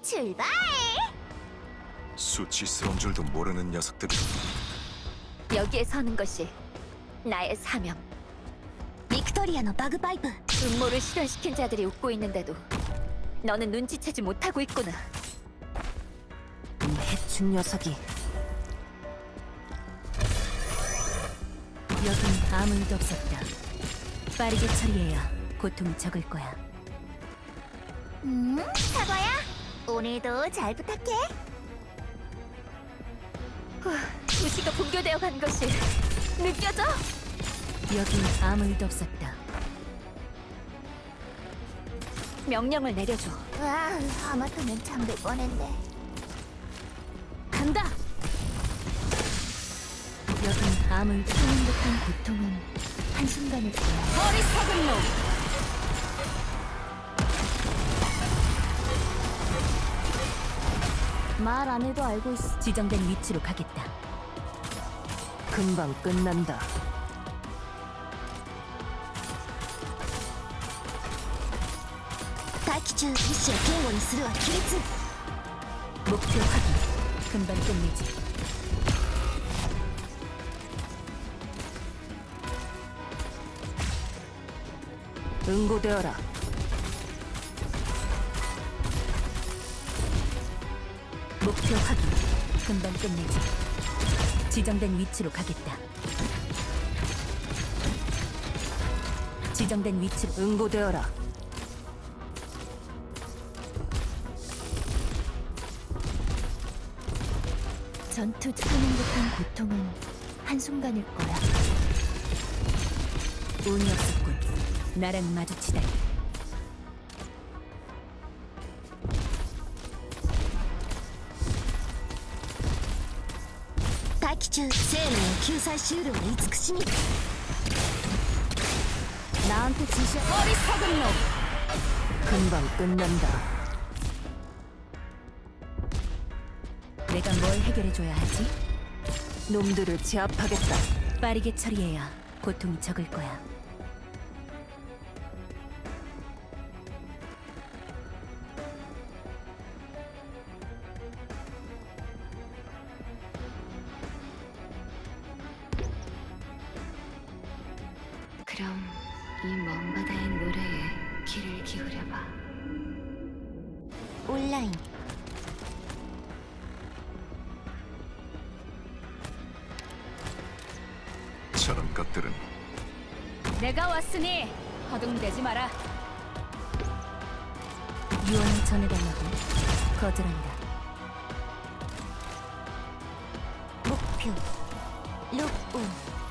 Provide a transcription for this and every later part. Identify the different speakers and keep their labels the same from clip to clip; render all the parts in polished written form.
Speaker 1: 출발!
Speaker 2: 수치스러운 줄도 모르는 녀석들이.
Speaker 3: 여기에 서는 것이 나의 사명.
Speaker 1: ビクトリアのバグパイプ
Speaker 3: 음모를 실현시킨 자들이 웃고 있는데도 너는 눈치채지 못하고 있구나.
Speaker 4: 이 해충 녀석이. 여긴 아무 일도 없었다. 빠르게 처리해야 고통이 적을 거야.
Speaker 1: 사과야 오늘도 잘 부탁해.
Speaker 3: 도시가 붕괴되어 간 것이 느껴져?
Speaker 4: 여긴 아무 일도 없었다.
Speaker 3: 명령을 내려줘.
Speaker 1: 와, 하마터면 잠들 뻔했네.
Speaker 4: 간다! 여긴 아무 일도
Speaker 1: 하는 듯한 고통은 한순간일 거야.
Speaker 4: 어리석은 놈!
Speaker 1: 말 안 해도 알고 있어.
Speaker 4: 지정된 위치로 가겠다. 금방 끝난다.
Speaker 1: 待機中意志を堅固にするは規律。
Speaker 4: 목표 확인. 금방 끝내지. 응고되어라. 목표 확인. 금방 끝내지. 지정된 위치로 가겠다. 지정된 위치로 응고되어라.
Speaker 1: 전투 하는 듯한 고통은 한순간일 거야.
Speaker 4: 운이 없었군. 나랑 마주치다니.
Speaker 1: 待機中生命を救済しうるは慈しみ。 나한테 지시.
Speaker 4: 어리석은 놈! 금방 끝난다. 내가 뭘 해결해줘야 하지? 놈들을 제압하겠다. 빠르게 처리해야 고통이 적을 거야.
Speaker 3: 그럼 이 먼 바다의 노래에 귀를 기울여봐.
Speaker 1: 온라인.
Speaker 2: 저런 것들은
Speaker 4: 내가 왔으니 허둥대지 마라. 유언을 전해달라고 거절한다.
Speaker 1: 목표 록온.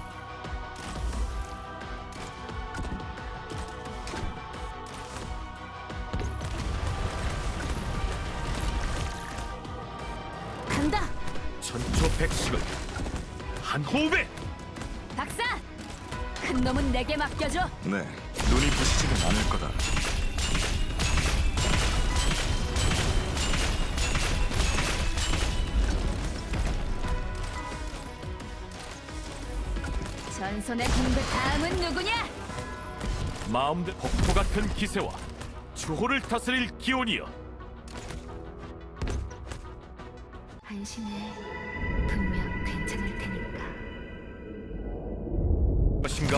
Speaker 4: 간다.
Speaker 2: 천초백식을 한 호흡에.
Speaker 4: 박사! 큰 놈은 내게 맡겨줘.
Speaker 2: 네, 눈이 부시지는 않을 거다.
Speaker 4: 전선의 공부 다음은 누구냐?
Speaker 5: 마음대 폭포 같은 기세와 주호를 다스릴 기온이여.
Speaker 3: 안심해. 분명 괜찮을 테니까.
Speaker 5: 것인가?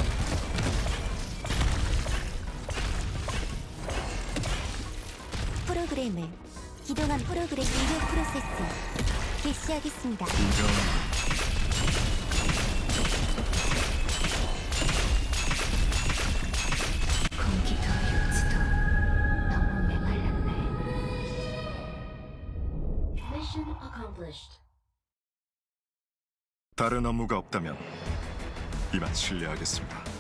Speaker 1: 프로그램을 기동한 프로그램 일부 프로세스 개시하겠습니다.
Speaker 2: 이런
Speaker 3: 공기도 육지도 너무 메말랐네.
Speaker 2: 다른 업무가 없다면 이만 실례하겠습니다.